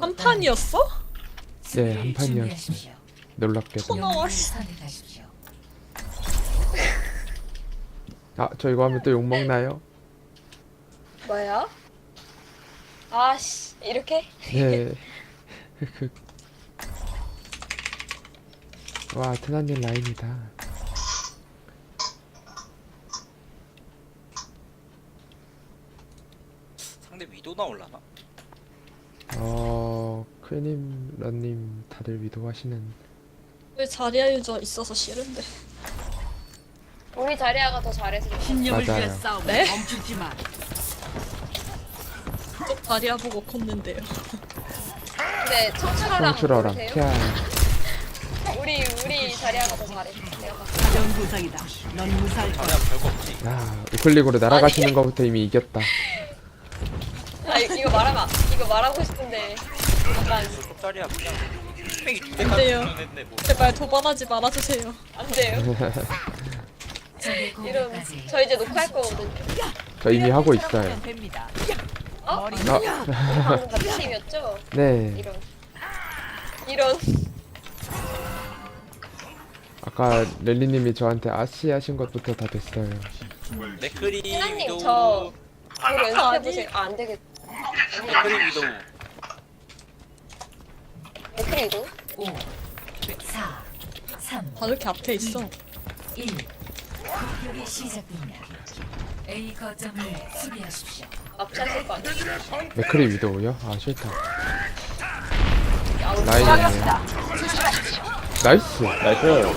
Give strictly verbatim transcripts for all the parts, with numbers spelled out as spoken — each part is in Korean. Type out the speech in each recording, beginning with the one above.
한 판이었어? 네, 한 판이었어요. 놀랍게도. 고마워. 씨. 아, 저 이거 하면 또 욕먹나요? 뭐야? 아씨 이렇게? 네. 와, 테나님 라인이다. 상대 위도 나올라나? 어, 크님, 런님 다들 위도하시는. 왜 자리야 유저 있어서 싫은데. 우리 자리아가 더 잘해서 그래. 신념을 위한 맞아요. 싸움 네? 멈추지 마. 또 자리야 보고 컸는데요. 근데 청출어랑 청출어랑 모르세요? 피아. 우리 우리 자리아가 더 잘해. 내가 봤을 가벼운 부상이다. 넌 무사할 거야. 자리야 별거 없지. 야, 우클릭으로 날아가시는 거부터 이미 이겼다. 때. 아 이- 이거 말하면 이거 말하고 싶은데 약간 자리야 그냥 뺑이 두 안 돼요. 대가 했네 뭐. 제발 도발하지 말아주세요. 안 돼요. 이런 저 이제 녹화할 거거든요. 저 이미 하고 있어요. 됩니다. 어? 나, 방금 같은 팀이었죠? 네. 이런 이런 아까 렐리님이 저한테 아씨 하신 것부터 다 됐어요. 맥크리 신랑님 위도. 저 바로 연습해 보세요. 아, 안 되겠. 맥크리 위도. 맥크리도 오, 사, 삼, 다 이렇게 앞에 있어. 일. 공격이 시작됩니다. A 거점을 수비하십시오. 앞차실 거 아니야? 맥크리 위도우요? 아, 싫다. 아우, 라인이네요. 나이스. 나이스.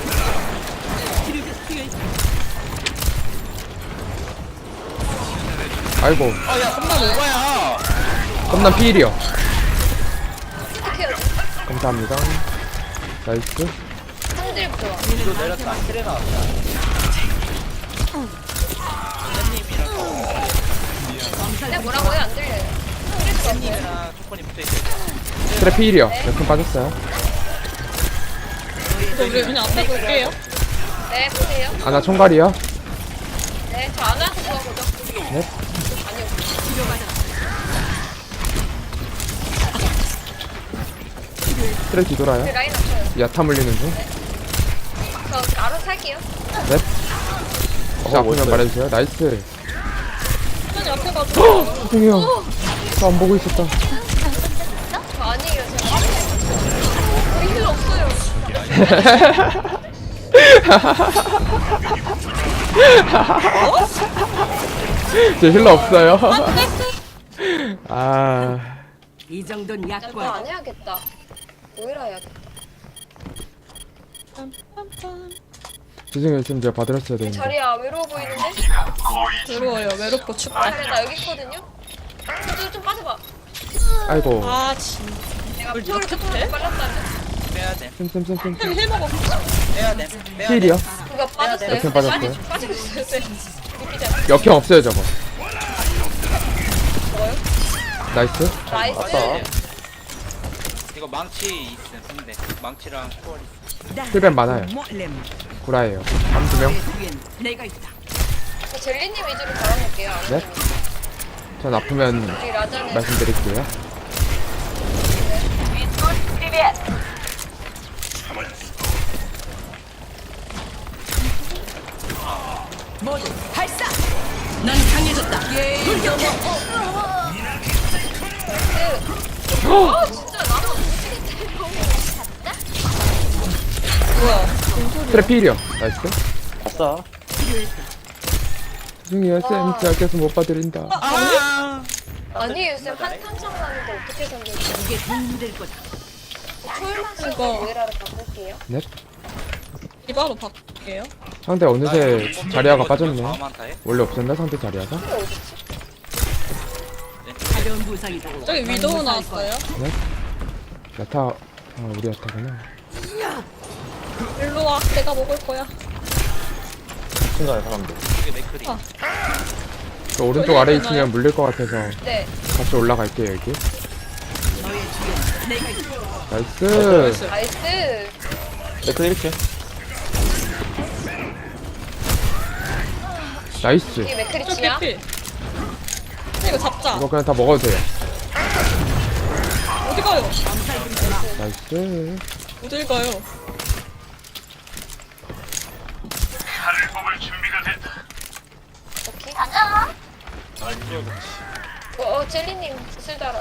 아이고. 아야 험난 오바야. 깜난 피일이요. 어떡해요? 감사합니다. 나이스. 상들부터 와. 위도 내렸다. 트레 나왔다. 내가 뭐라고요? 안 들려요. 트레랑 초코니 붙어있어요. 트랩 피일이요. 몇 분 빠졌어요? 이거 우리 그냥 앞에 볼게요. 네, 보세요. 아나 총괄이요? 네, 저 안 와서 좋아보죠. 네. 아니요. 트랩 뒤돌아요. 그 라인 앞쳐요. 야타 물리는 중. 저 알아서 할게요. 넷. 자, 앞으면 말해주세요. 나이스. 시간이 앞에 가지고. 죄송해요. 저 안 보고 있었다. 저 아니에요, 제가. 우리 힐 없어요. 저 힐러 없어요. 아, 이 정도는 나 이거 약관. 안 해야겠다. 오히려 해야겠다. 빰빰빰. 죄송해요. 지금 제가 받으랬어야 되는데. 자리야, 외로워 보이는데? 외로워요. 외롭고 춥다. 자리야, 나 여기 있거든요? 좀, 좀 빠져봐. 아이고. 아 진짜. 내가 뭘 피부를 이렇게 조금 해? 빨랐다면? 빼야 돼. 쌤쌤쌤쌤. 힐, 힐 먹어. 빼야 돼. 빼야 돼. 힐이요? 그거 빠졌어요. 이렇게 빠졌어요? 빠지- 빠지고 있어요, 쌤. 느끼지 않아요? 역행 없어요, 저거. 뭐요? 나이스. 나이스. 이거 망치 있음 근데 망치랑 초월 있음. 힐벤 많아요. 몰렘. 구라예요. 한 두 명. 내 뒤엔 내가 있다. 저 젤리님 위주로 걸어놓을게요. 네? 전 아프면 우리 라자는 말씀드릴게요. 모두 발사. 난 강해졌다. 예. 아 진짜 나만 미치겠다. 트랩 필이요. 나이스. 아싸. 죄송해요, 쌤. 제가 계속 못 봐드린다. 아. 아니에요 쌤. 한 탄창 나는데 어떻게 살려요? 이게 도움이 될 거다. 초월만 이거. 쓰고 오해라를 바꿀게요. 넷. 이바로 바꿀게요. 상대 어느새 자리아가 빠졌네. 다음한 타에. 원래 없었나, 상대 자리아가? 근데 어딨지? 가벼운 부상이다. 저기 넌 위도우 무사할 거야. 나왔어요. 넷. 야타. 아, 우리 야타구나. 일로 와. 내가 먹을 거야. 친구의 사람들. 이게 맥크리. 아. 저 오른쪽 아래 있으면 물릴 것 같아서 네. 같이 올라갈게요, 여기. 너의 뒤엔 내가 있다. 나이스. 나이스. 네크 이렇게. 나이스. 이게 저 맥크리치야? 개피. 이거 잡자. 이거 그냥 다 먹어도 돼요. 어디 가요? 나이스. 어딜 가요? 오케이. 아 이거 어, 어 젤리님 슬 달아.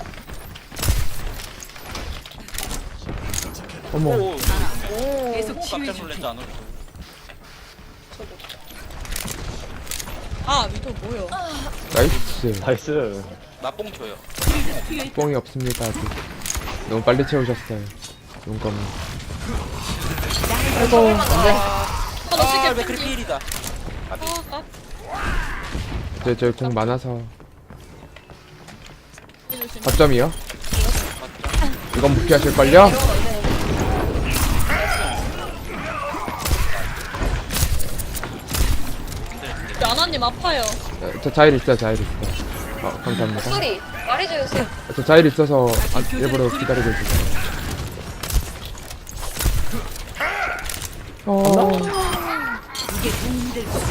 어머. 오, 오. 계속 깜짝 치유해줄게. 놀랐지 않아? 아 위도 뭐요? 나이스. 나이스. 나뽕 줘요. 뽕이 없습니다 아직. 너무 빨리 채우셨어요. 용검. 하나 아, 시계 맥크리 땡기. 필이다. 아, 아, 저, 저 공 많아서. 조심. 거점이요? 이건 무피하실걸요? 야나님 아파요. 어, 저 자일 있어요, 자일 있어요. 어, 감사합니다. 소리 말해줘요 쌤. 저 자일 있어서 아, 일부러 기다리고 있었어요. 어, 이게 도움이 될 거다.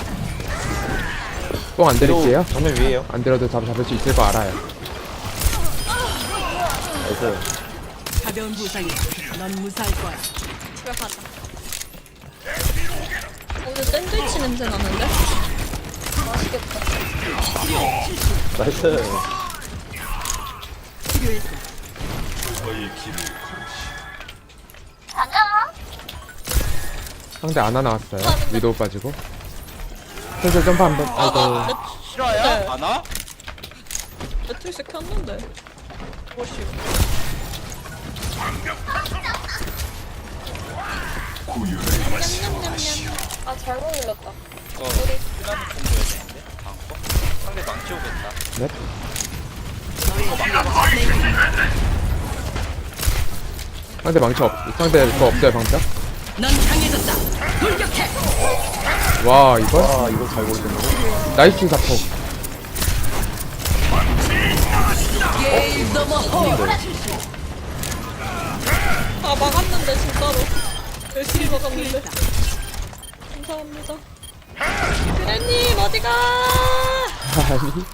뽕안 드릴게요. 정면 위에요. 안 들어도 잡, 잡을 수 있을 거 알아요. 나이스. 가벼운 부상이야. 넌 무사할 거야. 집에 가자. 오늘 샌드위치 냄새 나는데? 맛있겠다. 나이스. 치료했어. 상대 아나 나왔어요. 위도우 빠지고. 슬슬 점프 한 번. 아이고. 싫어요? 안 와? 매트리스 켰는데. 뭐시오? 아 잘못 눌렀다. 이거 피라미 뽕 줘야 되는데. 다음 거? 상대 망치 오겠다. 넷. 상대 망치 없, 상대 그거 없어요, 방벽? 넌 강해졌다. 돌격해. 와, 이걸? 아, 이거 잘 고르셨네. 나이스 사포. 게임 넘어 홀. 아 막았는데 진짜로. 열심히 막았는데. 감사합니다. 그래님 어디가? 아니.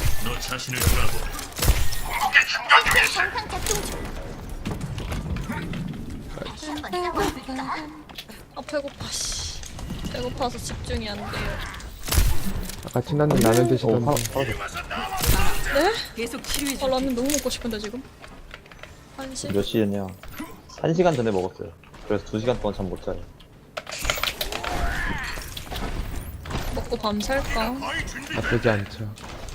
아 배고파 씨. 배고파서 집중이 안 돼요. 아까 친한님 라면 오, 드시던데. 파, 파라졌어. 네? 계속 치료해 아 줄. 라면 너무 먹고 싶은데 지금. 한시. 몇 시였냐? 한 시간 전에 먹었어요. 그래서 두 시간 동안 잠 못 자요. 먹고 밤 샐까? 나쁘지 않죠.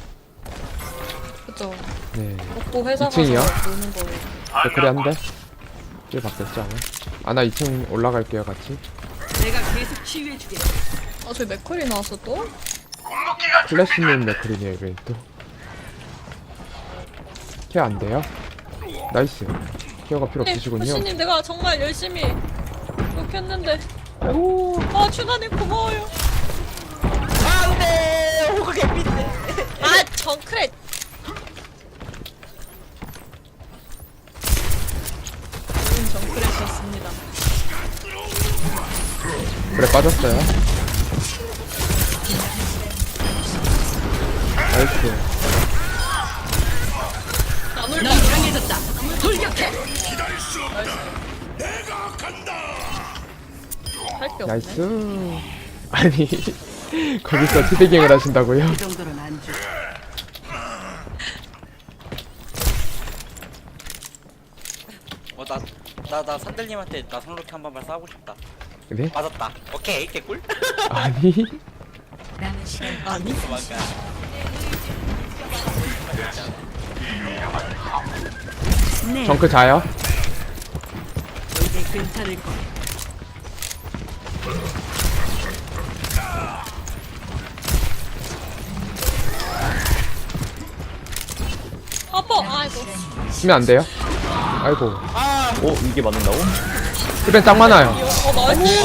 그죠. 네. 먹고 회사 가서 이 층이요? 노는 거예요. 댓글이 한 대? 길 바뀌었지 않아? 아나 이 층 올라갈게요, 같이. 내가 계속 치유해 주게. 아 저기 맥컬이 나왔어 또? 플래시님 맥크리니에요, 이번엔 또. 케어 안 돼요? 나이스. 케어가 필요 네, 없으시군요. 호시님 내가 정말 열심히 이렇게 했는데. 오, 아 준하님 고마워요. 안돼. 호그 개핀데. 아 정크렛. 좋은 정크렛이었습니다. 그래, 빠졌어요. 나이스. 나눌 넌 강해졌다. 돌격해. 할게 없네. 나이스. 아니, 거기서 티베깅을 하신다고요? 이 정도는 안 줘. 어, 나, 나, 나 산들님한테 나 손로키 한 번만 싸우고 싶다. 네? 맞았다. 오케이, 개꿀. 남은 아니, 시간 아니? 도망가. 네. 정크 자요? 이제 괜찮을 거야. 아빠 아이고. 쓰면 안 돼요? 아이고. 오, 이게 맞는다고? 힐벤 짱 많아요. 어 나이스.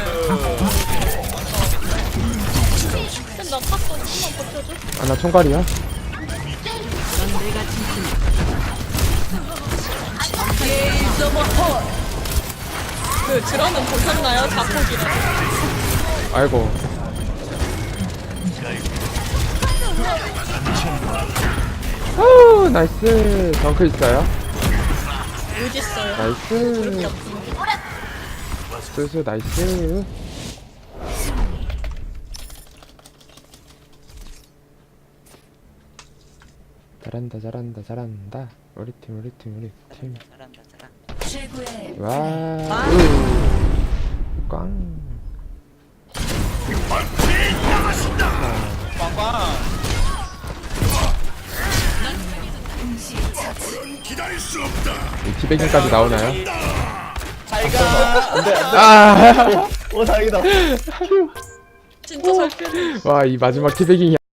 쌤나 탔어. 좀만 버텨줘. 아나 총괄이야? 넌 내가 지킨다. 게임 넘어 홀. 그 드럼은 보셨나요? 자폭이라. 아이고. 오, 나이스. 정크 있어요? 어딨어요? 나이스. 수수 나이스. 잘한다 잘한다 잘한다. 우리 팀 우리 팀 우리 팀. 잘한다 잘한다. 최고의 와. 우. 꽝. 빵빵. 이 티베깅까지 나오나요? 잘가. 안돼 안돼. 아. 오 다행이다. 진짜 잘 피해. 와 이 마지막 티베깅이